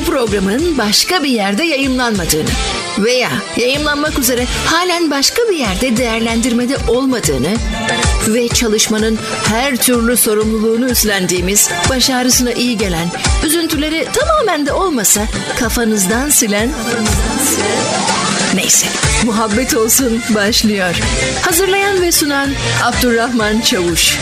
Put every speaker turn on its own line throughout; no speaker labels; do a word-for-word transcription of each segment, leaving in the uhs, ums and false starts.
programın başka bir yerde yayımlanmadığını veya yayımlanmak üzere halen başka bir yerde değerlendirmede olmadığını ve çalışmanın her türlü sorumluluğunu üstlendiğimiz, baş ağrısına iyi gelen, üzüntüleri tamamen de olmasa kafanızdan silen, neyse, muhabbet olsun başlıyor. Hazırlayan ve sunan Abdurrahman Çavuş.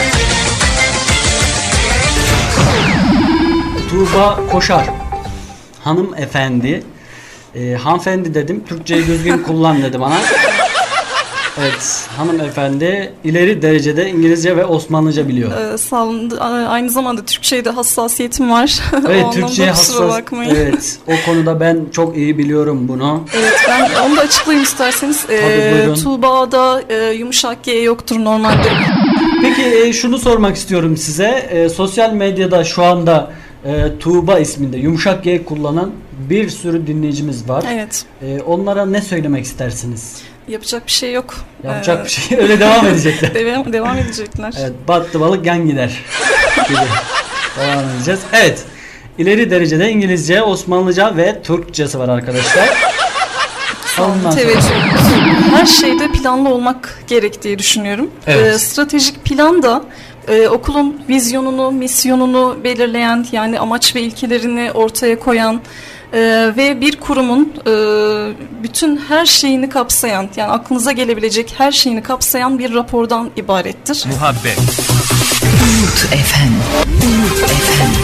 Tuğba Koşar hanımefendi, e, hanımefendi dedim, Türkçeyi düzgün kullan dedi bana. Evet, hanımefendi ileri derecede İngilizce ve Osmanlıca biliyor.
Ee, sağ olun. Aynı zamanda Türkçe'ye de hassasiyetim var.
Evet, Türkçe'ye hassas. Evet, o konuda ben çok iyi biliyorum bunu.
Evet, ben onu da açıklayayım isterseniz. Ee, Tuğba'da e, yumuşak G yoktur normalde.
Peki e, şunu sormak istiyorum size. E, sosyal medyada şu anda e, Tuğba isminde yumuşak G kullanan bir sürü dinleyicimiz var.
Evet.
E, onlara ne söylemek istersiniz?
Yapacak bir şey yok.
Yapacak
ee,
bir şey. Öyle devam edecekler.
devam, devam edecekler.
Evet, battı balık yan gider gibi devam edeceğiz. Evet. İleri derecede İngilizce, Osmanlıca ve Türkçesi var arkadaşlar.
Ondan teveccüh. Her şeyde planlı olmak gerektiği düşünüyorum.
Evet.
Ee, stratejik plan da e, okulun vizyonunu, misyonunu belirleyen, yani amaç ve ilkelerini ortaya koyan e, ve bir kurumun e, bütün her şeyini kapsayan, yani aklınıza gelebilecek her şeyini kapsayan bir rapordan ibarettir.
Muhabbet.
Umut efendim. Umut efendim.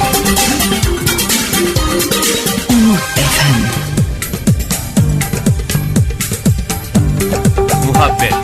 Umut efendim.
Muhabbet.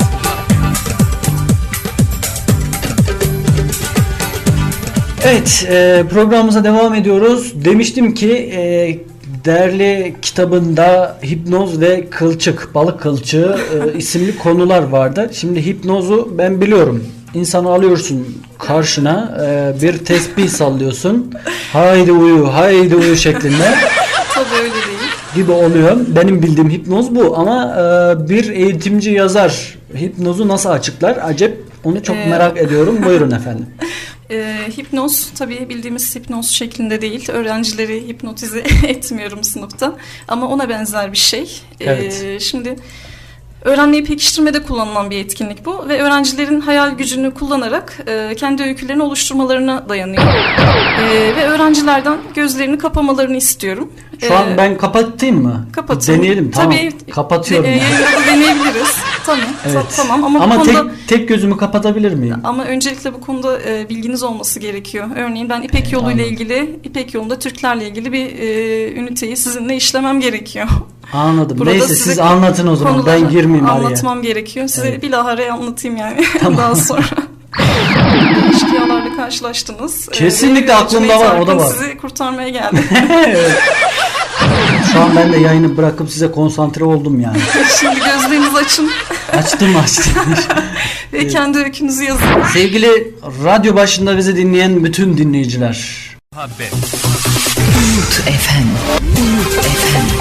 Evet, e, programımıza devam ediyoruz. Demiştim ki e, değerli kitabında hipnoz ve kılçık, balık kılçığı e, isimli konular vardı. Şimdi hipnozu ben biliyorum. İnsanı alıyorsun karşına, e, bir tesbih sallıyorsun. Haydi uyu, haydi uyu şeklinde.
Tabii öyle değil.
Gibi oluyor. Benim bildiğim hipnoz bu ama e, bir eğitimci yazar hipnozu nasıl açıklar? Acep, onu çok ee... merak ediyorum. Buyurun efendim.
E, hipnoz tabii bildiğimiz hipnoz şeklinde değil. Öğrencileri hipnotize etmiyorum sınıfta. Ama ona benzer bir şey.
Evet.
E, şimdi öğrenmeyi pekiştirmede kullanılan bir etkinlik bu ve öğrencilerin hayal gücünü kullanarak e, kendi öykülerini oluşturmalarına dayanıyor. E, ve öğrencilerden gözlerini kapamalarını istiyorum.
Şu an ben kapatayım mı?
Kapatın.
Deneyelim, tamam.
Tabii,
kapatıyorum.
E, yayında deneyebiliriz. Tamam.
Evet.
Tamam ama,
ama
bu
tek,
konuda,
tek gözümü kapatabilir miyim?
Ama öncelikle bu konuda e, bilginiz olması gerekiyor. Örneğin ben İpek Yolu ile ilgili, İpek Yolu'nda Türklerle ilgili bir e, üniteyi sizinle işlemem gerekiyor.
Anladım.
Burada
neyse siz anlatın o zaman. Ben girmeyeyim araya.
Anlatmam gerekiyor. Size
evet.
bilahare anlatayım yani.
Tamam.
Daha sonra. İşkiyalarla karşılaştınız.
Kesinlikle
ee,
aklımda var. O da var.
Sizi kurtarmaya geldim.
Evet. Şu an ben de yayını bırakıp size konsantre oldum yani.
Şimdi gözlerinizi açın.
Açtım açtım.
Ve evet. Kendi öykünüzü yazın.
Sevgili radyo başında bizi dinleyen bütün dinleyiciler.
Muhabbet.
Umut efendim. Umut efendim.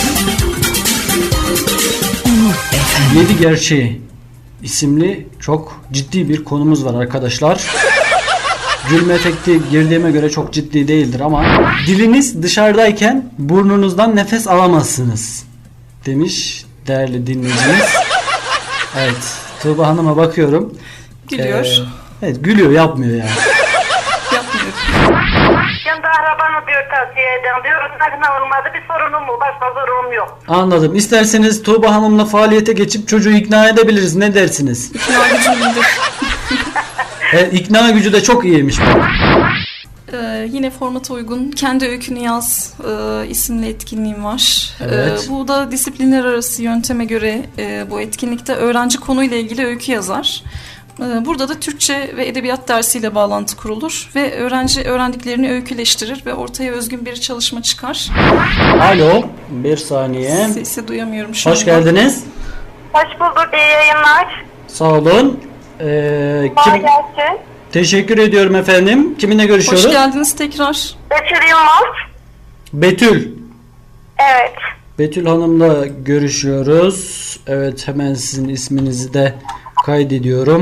Umut efendim.
Yedi Gerçeği isimli çok ciddi bir konumuz var arkadaşlar. Gülme efekti girdiğime göre çok ciddi değildir ama diliniz dışarıdayken burnunuzdan nefes alamazsınız demiş değerli dinleyicimiz. Evet, Tuğba Hanım'a bakıyorum.
Gülüyor. Ee,
evet, gülüyor, yapmıyor yani.
Yapmıyor.
Kendi arabanı diyor tavsiye eden diyor. Nakna olmadı, bir sorunum mu? Başka sorunum yok.
Anladım. İsterseniz Tuğba Hanım'la faaliyete geçip çocuğu ikna edebiliriz. Ne dersiniz?
İkna gücü iyidir.
Evet, ikna gücü de çok iyiymiş.
Ee, yine formata uygun Kendi Öykünü Yaz e, isimli etkinliğim var.
Evet.
E, bu da disiplinler arası yönteme göre e, bu etkinlikte öğrenci konuyla ilgili öykü yazar. E, burada da Türkçe ve edebiyat dersiyle bağlantı kurulur ve öğrenci öğrendiklerini öyküleştirir ve ortaya özgün bir çalışma çıkar.
Alo, bir saniye.
Sesi duyamıyorum şu
Hoş
anda.
geldiniz.
Hoş bulduk, iyi yayınlar.
Sağ olun. Ee,
Kolay
kim...
gelsin.
Teşekkür ediyorum efendim. Kiminle görüşüyoruz?
Hoş geldiniz tekrar.
Betül Yılmaz.
Betül.
Evet.
Betül Hanım'la görüşüyoruz. Evet, hemen sizin isminizi de kaydediyorum.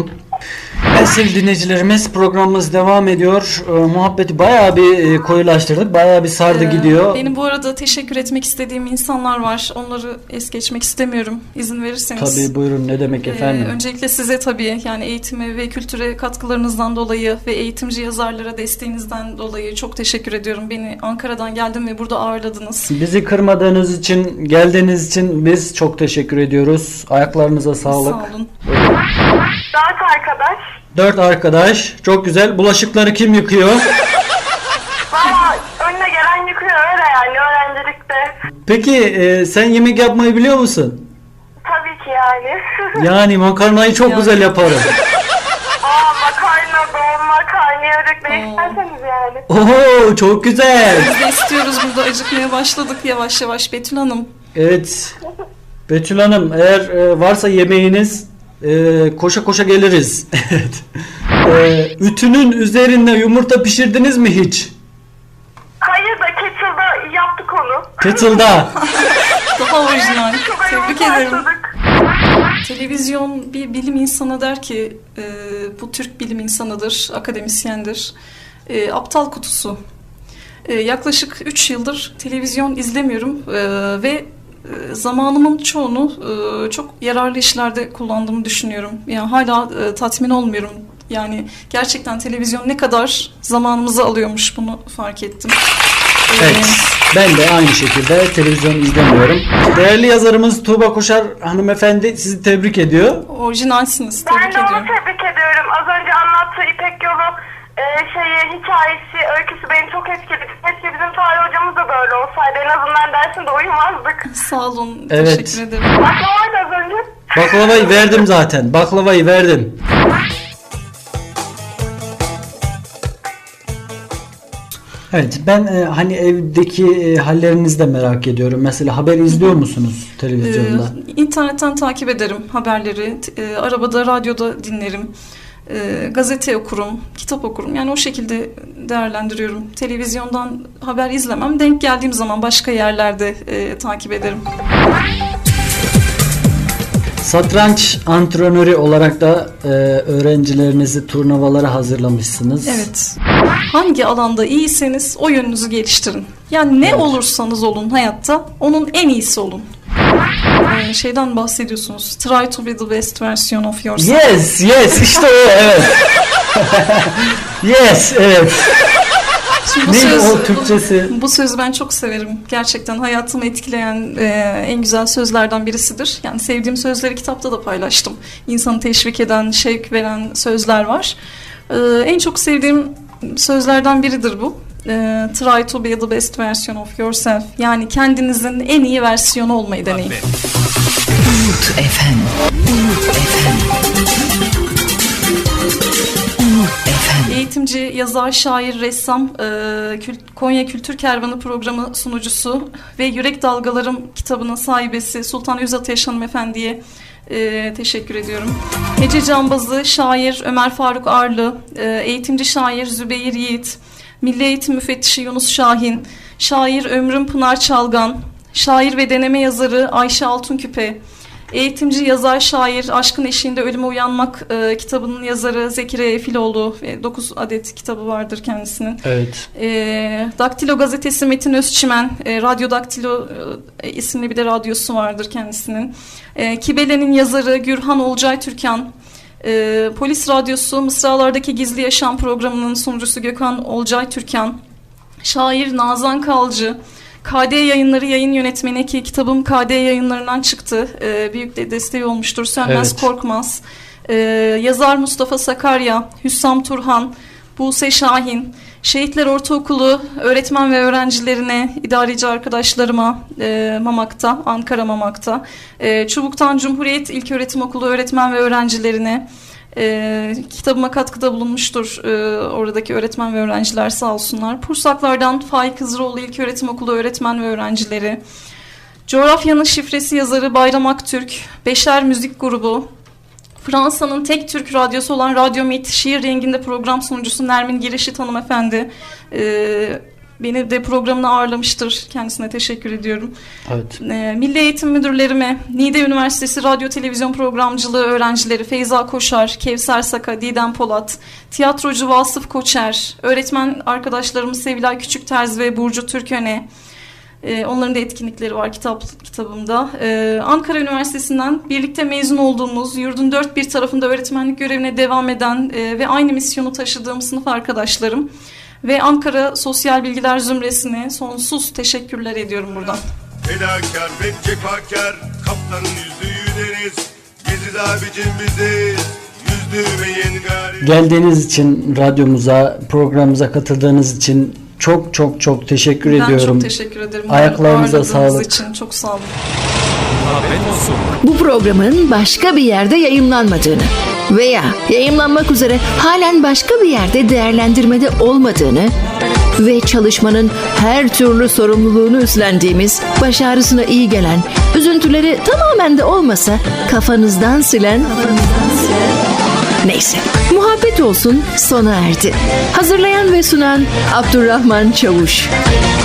Evet sevgili dinleyicilerimiz, programımız devam ediyor. Ee, muhabbeti bayağı bir e, koyulaştırdık. Bayağı bir sardı
Ee,
gidiyor.
Benim bu arada teşekkür etmek istediğim insanlar var. Onları es geçmek istemiyorum. İzin verirseniz.
Tabii buyurun, ne demek
Ee,
efendim.
öncelikle size tabii yani eğitime ve kültüre katkılarınızdan dolayı ve eğitimci yazarlara desteğinizden dolayı çok teşekkür ediyorum. Beni Ankara'dan geldim ve burada ağırladınız.
Bizi kırmadığınız için, geldiğiniz için biz çok teşekkür ediyoruz. Ayaklarınıza sağlık.
Sağ olun.
Dört arkadaş.
Dört arkadaş. Çok güzel. Bulaşıkları kim yıkıyor?
Valla önüne gelen yıkıyor öyle yani öğrencilikte.
Peki e, sen yemek yapmayı biliyor musun?
Tabii ki yani.
Yani makarnayı çok
Ya.
güzel yaparım.
Aa makarna, dolma, karnıyarık ne isterseniz yani.
Oho, çok güzel.
Biz de istiyoruz, burada acıkmaya başladık yavaş yavaş Betül Hanım.
Evet. Betül Hanım, eğer e, varsa yemeğiniz e, koşa koşa geliriz. Evet. E, ütünün üzerinde yumurta pişirdiniz mi hiç?
Hayır da Kettle'da yaptık onu.
Kettle'da.
Daha orijinal.
Çok
Tebrik
ayıp
ederim.
başladık.
Televizyon bir bilim insanı der ki e, bu Türk bilim insanıdır, akademisyendir. E, aptal kutusu. E, yaklaşık üç yıldır televizyon izlemiyorum e, ve e, zamanımın çoğunu e, çok yararlı işlerde kullandığımı düşünüyorum. Yani hala e, tatmin olmuyorum. Yani gerçekten televizyon ne kadar zamanımızı alıyormuş, bunu fark ettim. E,
Evet. Ben de aynı şekilde televizyon izlemiyorum. Değerli yazarımız Tuğba Koşar hanımefendi sizi tebrik ediyor.
Orijinalsiniz.
Ben
Tebrik
de onu
ediyorum.
tebrik ediyorum. Az önce anlattığı İpek Yolu e, şeyi, hikayesi, öyküsü beni çok etkiledi. Keşke bizim tarih hocamız da böyle olsaydı. En azından dersinde uyumazdık.
Sağ olun.
Evet.
Teşekkür ederim.
Baklavaydı az önce.
Baklavayı verdim zaten. Baklavayı verdim. Evet, ben e, hani evdeki e, hallerinizi de merak ediyorum. Mesela haber izliyor musunuz televizyonda?
Ee, internetten takip ederim haberleri. T- e, arabada, radyoda dinlerim. E, gazete okurum, kitap okurum. Yani o şekilde değerlendiriyorum. Televizyondan haber izlemem. Denk geldiğim zaman başka yerlerde e, takip ederim.
Satranç antrenörü olarak da e, öğrencilerinizi turnuvalara hazırlamışsınız.
Evet. Hangi alanda iyiyseniz o yönünüzü geliştirin. Yani ne
Evet.
olursanız olun hayatta onun en iyisi olun. Ee, şeyden bahsediyorsunuz. Try to be the best version of yourself.
Yes, yes, işte o, evet. Yes, evet.
Şimdi bu
Neydi
söz,
o Türkçesi?
Bu, bu sözü ben çok severim. Gerçekten hayatımı etkileyen e, en güzel sözlerden birisidir. Yani sevdiğim sözleri kitapta da paylaştım. İnsanı teşvik eden, şevk veren sözler var. E, en çok sevdiğim sözlerden biridir bu. E, Try to be the best version of yourself. Yani kendinizin en iyi versiyonu olmayı deneyin.
Umut efendim. Umut efendim. Umut efendim.
Eğitimci, yazar, şair, ressam, e, Kül- Konya Kültür Kervanı programı sunucusu ve Yürek Dalgalarım kitabının sahibesi Sultan Yüzat Yaşar hanımefendiye e, teşekkür ediyorum. Hece Cambazı, şair Ömer Faruk Arlı, e, eğitimci şair Zübeyir Yiğit, Milli Eğitim Müfettişi Yunus Şahin, şair Ömrüm Pınar Çalgan, şair ve deneme yazarı Ayşe Altunküpe, eğitimci, yazar, şair, Aşkın Eşiğinde Ölüme Uyanmak e, kitabının yazarı Zekeriya Efiloğlu. E, dokuz adet kitabı vardır kendisinin.
Evet.
E, Daktilo gazetesi Metin Özçimen, e, Radyo Daktilo e, isimli bir de radyosu vardır kendisinin. E, Kibele'nin yazarı Gürhan Olcay Türkan. E, Polis Radyosu Mısralardaki Gizli Yaşam programının sunucusu Gökhan Olcay Türkan. Şair Nazan Kalcı. K D Yayınları yayın yönetmeni, ki kitabım K D Yayınları'ndan çıktı. Ee, büyük de desteği olmuştur. Sönmez
Evet.
Korkmaz. Ee, yazar Mustafa Sakarya, Hüssam Turhan, Buse Şahin, Şehitler Ortaokulu öğretmen ve öğrencilerine, idareci arkadaşlarıma e, Mamak'ta, Ankara Mamak'ta, e, Çubuk'tan Cumhuriyet İlköğretim Okulu öğretmen ve öğrencilerine, E, kitabıma katkıda bulunmuştur e, oradaki öğretmen ve öğrenciler, sağ olsunlar. Pursaklardan Faik Hızıroğlu İlköğretim Okulu öğretmen ve öğrencileri, Coğrafyanın Şifresi yazarı Bayram Aktürk, Beşer Müzik Grubu, Fransa'nın tek Türk radyosu olan Radyo Mit, şiir renginde program sunucusu Nermin Girişit hanımefendi, e, beni de programına ağırlamıştır. Kendisine teşekkür ediyorum.
Evet.
E, Milli Eğitim Müdürlerime, Niğde Üniversitesi Radyo Televizyon Programcılığı öğrencileri Feyza Koşar, Kevser Saka, Didem Polat, tiyatrocu Vasıf Koçer, öğretmen arkadaşlarımız Sevilay Küçükterz ve Burcu Türköne. Ee, onların da etkinlikleri var kitap kitabımda. Ee, Ankara Üniversitesi'nden birlikte mezun olduğumuz, yurdun dört bir tarafında öğretmenlik görevine devam eden e, ve aynı misyonu taşıdığım sınıf arkadaşlarım ve Ankara Sosyal Bilgiler Zümresi'ne sonsuz teşekkürler ediyorum buradan.
Fedakar ve cefakar, kaptanın yüzdüğü deniz, Geziz abicim bizi yüzdürmeyin gari.
Geldiğiniz için radyomuza, programımıza katıldığınız için çok çok çok teşekkür
Ben
ediyorum.
çok teşekkür ederim.
Ayaklarınıza
Ağırladığınız
sağlık.
için çok sağ olun.
Bu programın başka bir yerde yayımlanmadığını veya yayımlanmak üzere halen başka bir yerde değerlendirmede olmadığını ve çalışmanın her türlü sorumluluğunu üstlendiğimiz, başarısına iyi gelen, üzüntüleri tamamen de olmasa kafanızdan silen, neyse, muhabbet olsun sona erdi. Hazırlayan ve sunan Abdurrahman Çavuş.